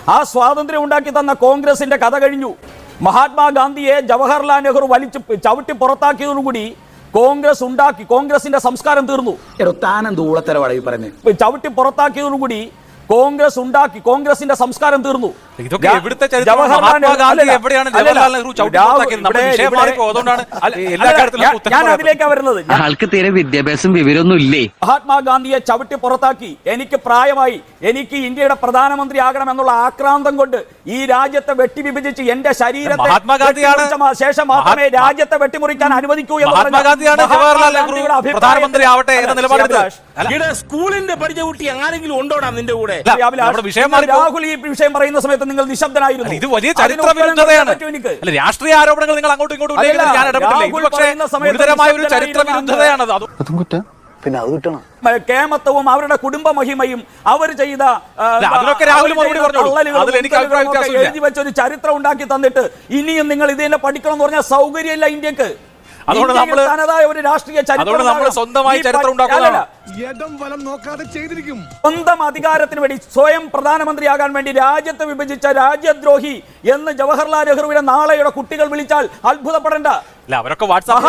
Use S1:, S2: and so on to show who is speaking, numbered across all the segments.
S1: ആ സ്വാതന്ത്ര്യം ഉണ്ടാക്കി തന്ന കോൺഗ്രസിന്റെ കഥ കഴിഞ്ഞു. മഹാത്മാഗാന്ധിയെ ജവഹർലാൽ നെഹ്റു വലിച്ചു ചവിട്ടി പുറത്താക്കിയതോടുകൂടി കോൺഗ്രസ് ഉണ്ടാക്കി, കോൺഗ്രസിന്റെ സംസ്കാരം തീർന്നു. ചവിട്ടി പുറത്താക്കിയതോടുകൂടി കോൺഗ്രസ് ഉണ്ടാക്കി, കോൺഗ്രസിന്റെ സംസ്കാരം തീർന്നു. ഞാൻ അതിലേക്കാ വരുന്നത്.
S2: ആൾക്ക് തീരെ വിദ്യാഭ്യാസം വിവരമൊന്നും ഇല്ലേ?
S1: മഹാത്മാഗാന്ധിയെ ചവിട്ടി പുറത്താക്കി, എനിക്ക് പ്രായമായി, എനിക്ക് ഇന്ത്യയുടെ പ്രധാനമന്ത്രി ആകണം എന്നുള്ള ആക്രാന്തം കൊണ്ട് ഈ രാജ്യത്തെ വെട്ടിവിഭജിച്ച് എന്റെ ശരീരത്തെ ശേഷം മാത്രമേ രാജ്യത്തെ വെട്ടിമുറിക്കാൻ അനുവദിക്കൂ എന്ന്
S3: സ്കൂളിന്റെ പഠിച്ച കുട്ടി ആരെങ്കിലും ഉണ്ടോടാ നിന്റെ കൂടെ?
S1: രാഹുൽ ഈ വിഷയം പറയുന്ന സമയത്ത് നിങ്ങൾ നിശബ്ദനായിരുന്നു.
S4: ഇത് വലിയ ചരിത്ര വിരുദ്ധതയാണ്. രാഷ്ട്രീയ ആരോപണങ്ങൾ നിങ്ങൾ അങ്ങോട്ടും ഇങ്ങോട്ടും ചരിത്ര വിരുദ്ധതയാണത്.
S5: പിന്നെ അത് കിട്ടണം.
S1: കേമത്വവും അവരുടെ കുടുംബ മഹിമയും അവർ ചെയ്ത എഴുതി വെച്ചൊരു ചരിത്രം ഉണ്ടാക്കി തന്നിട്ട് ഇനിയും നിങ്ങൾ ഇത് തന്നെ പഠിക്കണം എന്ന് പറഞ്ഞാൽ സൗകര്യമില്ല ഇന്ത്യക്ക്. തനതായ ഒരു രാഷ്ട്രീയ ചരിത്രം
S4: സ്വന്തമായി ചരിത്രം ഉണ്ടാക്കുക.
S1: സ്വന്തം അധികാരത്തിന് വേണ്ടി സ്വയം പ്രധാനമന്ത്രിയാകാൻ വേണ്ടി രാജ്യത്തെ വിഭജിച്ച രാജ്യദ്രോഹി എന്ന് ജവഹർലാൽ നെഹ്റുവിനെ നാളെയുടെ കുട്ടികൾ വിളിച്ചാൽ അത്ഭുതപ്പെടേണ്ട.
S4: അവരൊക്കെ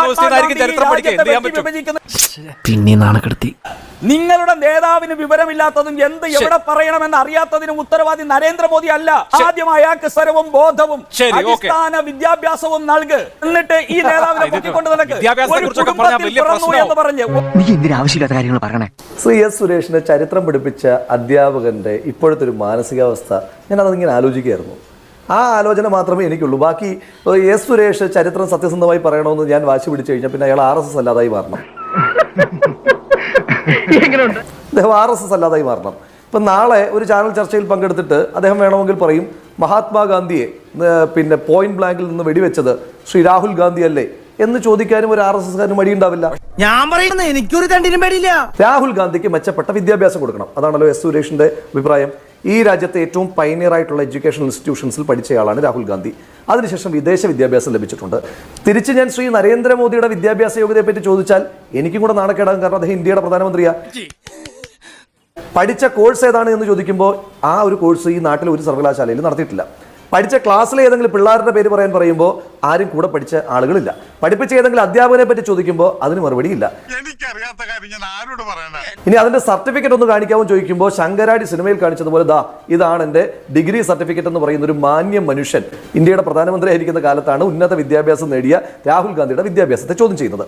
S2: പിന്നെ നാണക്കെടുത്തി.
S1: നിങ്ങളുടെ നേതാവിന് വിവരമില്ലാത്തതും എന്ത് എവിടെ പറയണമെന്ന് അറിയാത്തതിനും ഉത്തരവാദി നരേന്ദ്രമോദി അല്ല. ആദ്യം അയാൾക്ക് സ്വരവും ബോധവും അടിസ്ഥാന വിദ്യാഭ്യാസവും നൽക്. എന്നിട്ട് ഈ നേതാവിനെ പൊക്കിക്കൊണ്ട് നടക്ക്. എന്ന് പറഞ്ഞ്
S2: നീ എന്തിനാവശ്യമില്ലാത്ത കാര്യങ്ങൾ പറയണേ?
S5: എസ് സുരേഷിനെ ചരിത്രം പഠിപ്പിച്ച അധ്യാപകന്റെ ഇപ്പോഴത്തെ ഒരു മാനസികാവസ്ഥ ഞാൻ അതിങ്ങനെ ആലോചിക്കുകയായിരുന്നു. ആ ആലോചന മാത്രമേ എനിക്കുള്ളൂ. ബാക്കി എസ് സുരേഷ് ചരിത്രം സത്യസന്ധമായി പറയണമെന്ന് ഞാൻ വാശി പിടിച്ചു കഴിഞ്ഞാൽ പിന്നെ അയാൾ RSS അല്ലാതായി മാറണം. അദ്ദേഹം RSS അല്ലാതായി മാറണം. ഇപ്പം നാളെ ഒരു ചാനൽ ചർച്ചയിൽ പങ്കെടുത്തിട്ട് അദ്ദേഹം വേണമെങ്കിൽ പറയും മഹാത്മാഗാന്ധിയെ പിന്നെ പോയിന്റ് ബ്ലാങ്കിൽ നിന്ന് വെടിവെച്ചത് ശ്രീ രാഹുൽ ഗാന്ധി അല്ലേ എന്ന് ചോദിക്കാനും ഒരു RSSകാരന് മടിയുണ്ടാവില്ല.
S3: ഞാൻ പറയുന്നത് എനിക്കൊരു തണ്ടിനും പേടിയില്ല.
S5: രാഹുൽ ഗാന്ധിക്ക് മെച്ചപ്പെട്ട വിദ്യാഭ്യാസം കൊടുക്കണം. അതാണല്ലോ എസ് സുരേഷിന്റെ അഭിപ്രായം. ഈ രാജ്യത്തെ ഏറ്റവും പൈനിയർ ആയിട്ടുള്ള എഡ്യൂക്കേഷണൽ ഇൻസ്റ്റിറ്റ്യൂഷൻസിൽ പഠിച്ചയാളാണ് രാഹുൽ ഗാന്ധി. അതിനുശേഷം വിദേശ വിദ്യാഭ്യാസം ലഭിച്ചിട്ടുണ്ട്. തിരിച്ച് ഞാൻ ശ്രീ നരേന്ദ്രമോദിയുടെ വിദ്യാഭ്യാസ യോഗ്യതയെ പറ്റി ചോദിച്ചാൽ എനിക്കും കൂടെ നാണക്കേടാകും. കാരണം അദ്ദേഹം ഇന്ത്യയുടെ പ്രധാനമന്ത്രിയാണ്. പഠിച്ച കോഴ്സ് ഏതാണ് എന്ന് ചോദിക്കുമ്പോൾ ആ ഒരു കോഴ്സ് ഈ നാട്ടിൽ ഒരു സർവകലാശാലയിൽ നടത്തിയിട്ടില്ല. പഠിച്ച ക്ലാസ്സിലെ ഏതെങ്കിലും പിള്ളേരുടെ പേര് പറയുമ്പോൾ ആരും കൂടെ പഠിച്ച ആളുകളില്ല. പഠിപ്പിച്ച ഏതെങ്കിലും അധ്യാപകനെ പറ്റി ചോദിക്കുമ്പോൾ അതിന് മറുപടിയില്ല. ഇനി അതിന്റെ സർട്ടിഫിക്കറ്റ് ഒന്ന് കാണിക്കാമോ ചോദിക്കുമ്പോൾ ശങ്കരാടി സിനിമയിൽ കാണിച്ചതുപോലെ ഇതാണ് എന്റെ ഡിഗ്രി സർട്ടിഫിക്കറ്റ് എന്ന് പറയുന്ന ഒരു മാന്യ മനുഷ്യൻ ഇന്ത്യയുടെ പ്രധാനമന്ത്രി ആയിരിക്കുന്ന കാലത്താണ് ഉന്നത വിദ്യാഭ്യാസം നേടിയ രാഹുൽ ഗാന്ധിയുടെ വിദ്യാഭ്യാസത്തെ ചോദ്യം ചെയ്യുന്നത്.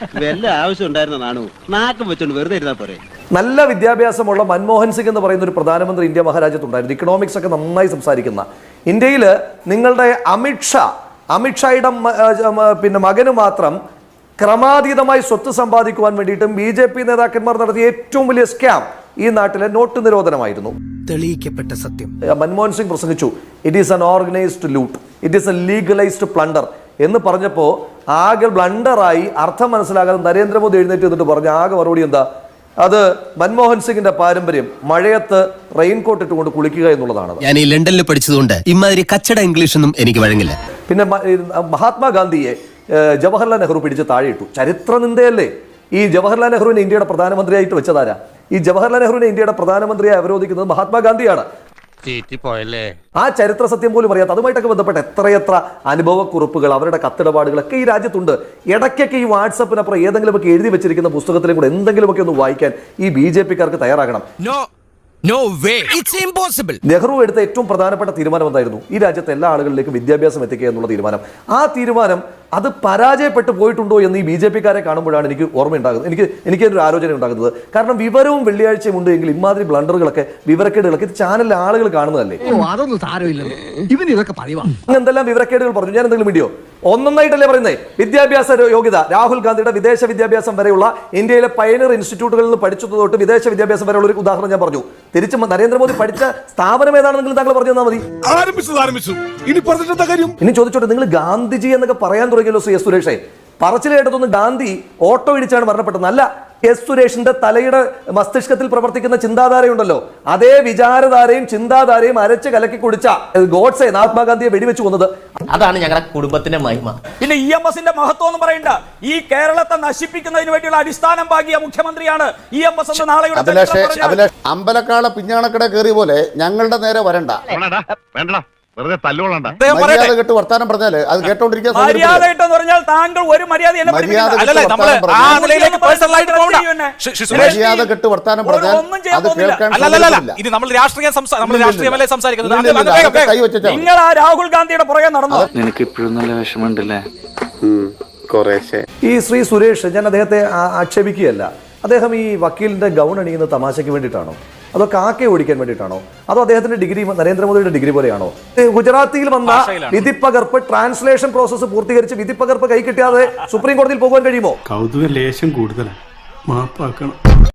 S5: നല്ല വിദ്യാഭ്യാസമുള്ള മൻമോഹൻ സിംഗ് എന്ന് പറയുന്ന ഒരു പ്രധാനമന്ത്രി ഇന്ത്യ മഹാരാജ്യത്തുണ്ടായിരുന്നു. ഇക്കണോമിക്സ് ഒക്കെ നന്നായി സംസാരിക്കുന്ന. ഇന്ത്യയിൽ നിങ്ങളുടെ അമിത്ഷായുടെ പിന്നെ മകന് മാത്രം ക്രമാതീതമായി സ്വത്ത് സമ്പാദിക്കുവാൻ വേണ്ടിയിട്ടും BJP നേതാക്കന്മാർ നടത്തിയ ഏറ്റവും വലിയ സ്കാം ഈ നാട്ടിലെ നോട്ട് നിരോധനമായിരുന്നു.
S3: തെളിയിക്കപ്പെട്ട സത്യം.
S5: മൻമോഹൻ സിംഗ് പ്രസംഗിച്ചു, it is an organised loot, it is a legalised plunder എന്ന് പറഞ്ഞപ്പോൾ ആകെ ബ്ലണ്ടറായി അർത്ഥം മനസ്സിലാകാതെ നരേന്ദ്രമോദി എഴുന്നേറ്റ് എന്നിട്ട് പറഞ്ഞു ആകെ മറുപടി എന്താ? അത് മൻമോഹൻ സിംഗിന്റെ പാരമ്പര്യം മഴയത്ത് റെയിൻകോട്ട് ഇട്ടുകൊണ്ട് കുളിക്കുക എന്നുള്ളതാണ്.
S2: ഞാൻ ഈ ലണ്ടനിൽ പഠിച്ചതുകൊണ്ട് ഇമാതിരി കച്ചട ഇംഗ്ലീഷ് ഒന്നും എനിക്ക് വഴങ്ങില്ല.
S5: പിന്നെ മഹാത്മാഗാന്ധിയെ ജവഹർലാൽ നെഹ്റു പിടിച്ച് താഴെയിട്ടു. ചരിത്ര നിന്ദയല്ലേ? ഈ ജവഹർലാൽ നെഹ്റുവിനെ ഇന്ത്യയുടെ പ്രധാനമന്ത്രിയായിട്ട് വെച്ചതാരാ? ഈ ജവഹർലാൽ നെഹ്റുവിനെ ഇന്ത്യയുടെ പ്രധാനമന്ത്രിയായി അവരോധിക്കുന്നത് മഹാത്മാഗാന്ധിയാണ്. ആ ചരിത്ര സത്യം പോലും അറിയാത്ത അതുമായിട്ടൊക്കെ ബന്ധപ്പെട്ട എത്രയെത്ര അനുഭവക്കുറിപ്പുകൾ അവരുടെ കത്തിടപാടുകളൊക്കെ ഈ രാജ്യത്തുണ്ട്. ഇടയ്ക്കൊക്കെ ഈ വാട്സപ്പിനപ്പുറം ഏതെങ്കിലുമൊക്കെ എഴുതി വെച്ചിരിക്കുന്ന പുസ്തകത്തിലും കൂടെ എന്തെങ്കിലുമൊക്കെ ഒന്ന് വായിക്കാൻ ഈ BJPക്കാർക്ക് തയ്യാറാകണം. നെഹ്റു എടുത്ത ഏറ്റവും പ്രധാനപ്പെട്ട തീരുമാനം എന്തായിരുന്നു? ഈ രാജ്യത്തെ എല്ലാ ആളുകളിലേക്കും വിദ്യാഭ്യാസം എത്തിക്കുക എന്നുള്ള തീരുമാനം. ആ തീരുമാനം അത് പരാജയപ്പെട്ടു പോയിട്ടുണ്ടോ എന്ന് ഈ BJPക്കാരെ കാണുമ്പോഴാണ് എനിക്ക് ഓർമ്മയുണ്ടാകുന്നത്. എനിക്കൊരു ആലോചന ഉണ്ടാകുന്നത്. കാരണം വിവരവും വെള്ളിയാഴ്ചയും ഉണ്ട് എങ്കിൽ ഇമാതിരി ബ്ലണ്ടറുകളൊക്കെ വിവരക്കേടുകളൊക്കെ ചാനലിലെ ആളുകൾ കാണുന്നതല്ലേ? എന്തെല്ലാം വിവരക്കേടുകൾ പറഞ്ഞു. ഞാൻ എന്തെങ്കിലും വീഡിയോ ഒന്നൊന്നായിട്ടല്ലേ പറയുന്നത്? വിദ്യാഭ്യാസ യോഗ്യത രാഹുൽ ഗാന്ധിയുടെ വിദേശ വിദ്യാഭ്യാസം വരെയുള്ള ഇന്ത്യയിലെ പൈനർ ഇൻസ്റ്റിറ്റ്യൂട്ടുകളിൽ നിന്ന് പഠിച്ചത് തൊട്ട് വിദേശ വിദ്യാഭ്യാസം വരെയുള്ള ഒരു ഉദാഹരണം ഞാൻ പറഞ്ഞു. തിരിച്ച് നരേന്ദ്രമോദി പഠിച്ച സ്ഥാപനം ഏതാണെന്നെങ്കിലും താങ്കൾ പറഞ്ഞു തന്നാൽ മതി. ഇനി ചോദിച്ചോട്ടെ, നിങ്ങൾ ഗാന്ധിജി എന്നൊക്കെ പറയാൻ തുടങ്ങിയല്ലോ എസ് സുരേഷേ. പറച്ചിൽ കേട്ടതൊന്നും ഗാന്ധി ഓട്ടോ ഇടിച്ചാണ് മരണപ്പെട്ടത്. അല്ല, എസ് സുരേഷിന്റെ തലയുടെ മസ്തിഷ്കത്തിൽ പ്രവർത്തിക്കുന്ന ചിന്താധാരയുണ്ടല്ലോ, അതേ വിചാരധാരയും ചിന്താധാരയും അരച്ച് കലക്കി കുടിച്ച ഗോഡ്സെ മഹാത്മാഗാന്ധിയെ വെടിവെച്ച് കൊന്നത്.
S6: അതാണ് ഞങ്ങളുടെ കുടുംബത്തിന്റെ മഹിമ.
S1: പിന്നെ EMSന്റെ മഹത്വം എന്ന് പറയണ്ട. ഈ കേരളത്തെ നശിപ്പിക്കുന്നതിന് വേണ്ടിയുള്ള അടിസ്ഥാനം പാകിയ മുഖ്യമന്ത്രിയാണ് EMS എന്ന് നാളെയുടെ
S7: അമ്പലക്കാള പിഞ്ഞാണക്കട കയറിയ പോലെ ഞങ്ങളുടെ നേരെ വരണ്ട.
S8: വെറുതെ തല്ലുകൊള്ളണ്ട.
S7: മര്യാദ കെട്ട് വർത്താനം പറഞ്ഞാല് അത് കേട്ടോണ്ടിരിക്കാൻ
S1: മര്യാദ എന്ന് പറഞ്ഞാൽ താങ്കൾ ഒരു മര്യാദ
S7: മര്യാദ കെട്ട് വർത്താനം പറഞ്ഞാൽ അത് കേൾക്കാൻ
S4: ഇത് നമ്മൾ രാഷ്ട്രീയമല്ലേ സംസാരിക്കുന്നത്.
S1: നിങ്ങൾ ആ രാഹുൽ ഗാന്ധിയുടെ പുറകെ നടന്നു.
S8: നിനക്ക് ഇപ്പോഴും നല്ല വിഷമമുണ്ടല്ലേ?
S5: ഈ ശ്രീ സുരേഷ്, ഞാൻ അദ്ദേഹത്തെ ആക്ഷേപിക്കുകയല്ല. അദ്ദേഹം ഈ വക്കീലിന്റെ ഗൗൺ അണിയുന്ന തമാശയ്ക്ക് വേണ്ടിയിട്ടാണോ, അതോ കാക്കയെ ഓടിക്കാൻ വേണ്ടിയിട്ടാണോ, അതോ അദ്ദേഹത്തിന്റെ ഡിഗ്രി നരേന്ദ്രമോദിയുടെ ഡിഗ്രി പോലെയാണോ? ഗുജറാത്തിയിൽ വന്ന വിധിപ്പകർപ്പ് ട്രാൻസ്ലേഷൻ പ്രോസസ്സ് പൂർത്തീകരിച്ച് വിധിപ്പകർപ്പ് കൈ കിട്ടിയാതെ സുപ്രീം കോടതിയിൽ പോകാൻ കഴിയുമോ?
S9: കൗതുക ലേശം കൂടുതലാണ്, മാപ്പാക്കണം.